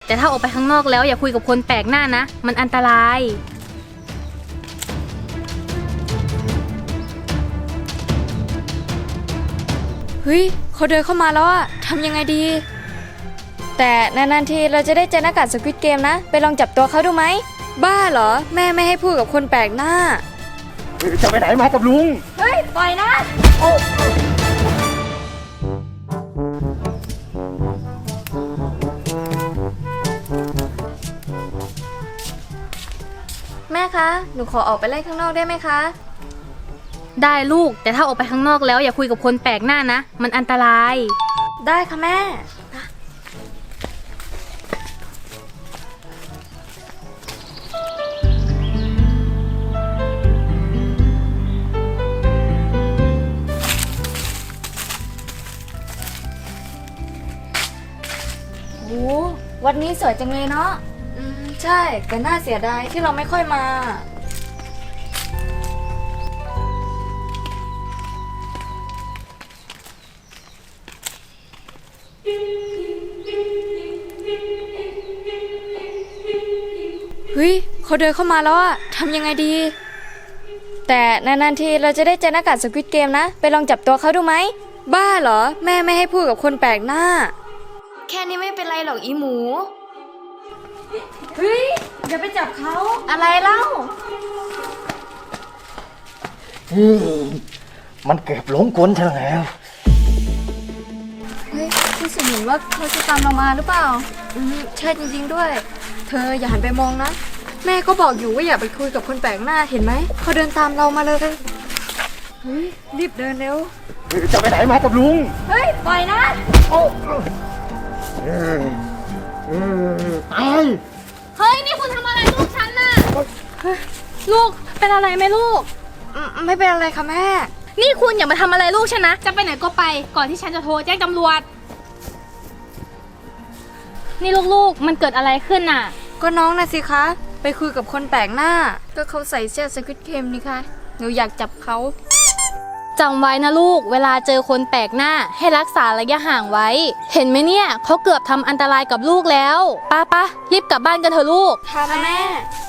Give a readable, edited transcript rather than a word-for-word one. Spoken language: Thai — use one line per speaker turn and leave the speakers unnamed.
แต่ถ้าออกไปข้างนอกแล้วอย่าคุยกับคนแปลกหน้านะมันอันตราย
เฮ้ยเขาเดินเข้ามาแล้วอะทำยังไงดีแต่นานๆทีเราจะได้เจอหน้ากากสควิดเกมนะไปลองจับตัวเขาดูไหมบ้าเหรอแม่ไม่ให้พูดกับคนแปลกหน้า
จะไปไหนมากับลุง
เฮ้ยปล่อยนะแม่คะหนูขอออกไปเล่นข้างนอกได้ไหมคะ
ได้ลูกแต่ถ้าออกไปข้างนอกแล้วอย่าคุยกับคนแปลกหน้านะมันอันตราย
ได้ค่ะแม่โอ้วันนี้สวยจังเลยเนาะใช่แต่น่าเสียดายที่เราไม่ค่อยมาเฮ้ยเขาเดินเข้ามาแล้วอะทำยังไงดีแต่นานๆทีเราจะได้เจอหน้ากากสควิดเกมนะไปลองจับตัวเขาดูไหมบ้าเหรอแม่ไม่ให้พูดกับคนแปลกหน้าแค่นี้ไม่เป็นไรหรอกอีหมูเฮ้ยอย่าไปจับเขาอะไรเล่า
มันเกือบหลงกลฉันแล้ว
เฮ้ยรู้สึกเหมือนว่าเขาจะตามเรามาหรือเปล่าใช่จริงๆด้วยเธออย่าหันไปมองนะแม่ก็บอกอยู่ว่าอย่าไปคุยกับคนแปลกหน้าเห็นไหมเขาเดินตามเรามาเลยเฮ้ยรีบเดินเร็ว
จะไปไหนมากับลุง
เฮ้ยปล่อยนะ
ตาย
เฮ้ยนี่คุณทำอะไรลูกฉันน่ะลูกเป็นอะไรไหมลูก
ไม่เป็นอะไรค่ะแม่
นี่คุณอย่ามาทำอะไรลูกฉันนะจะไปไหนก็ไปก่อนที่ฉันจะโทรแจ้งตำรวจนี่ลูกๆมันเกิดอะไรขึ้นน่ะ
ก็น้องน่ะสิคะไปคุยกับคนแปลกหน้าก็เขาใส่เสื้อสควิดเกมนี่ค่ะหนูอยากจับเขา
จำไว้นะลูกเวลาเจอคนแปลกหน้าให้รักษาระยะห่างไว้เห็นไหมเนี่ยเขาเกือบทำอันตรายกับลูกแล้วป้ารีบกลับบ้านกันเถอะลูก
ค่ะแม่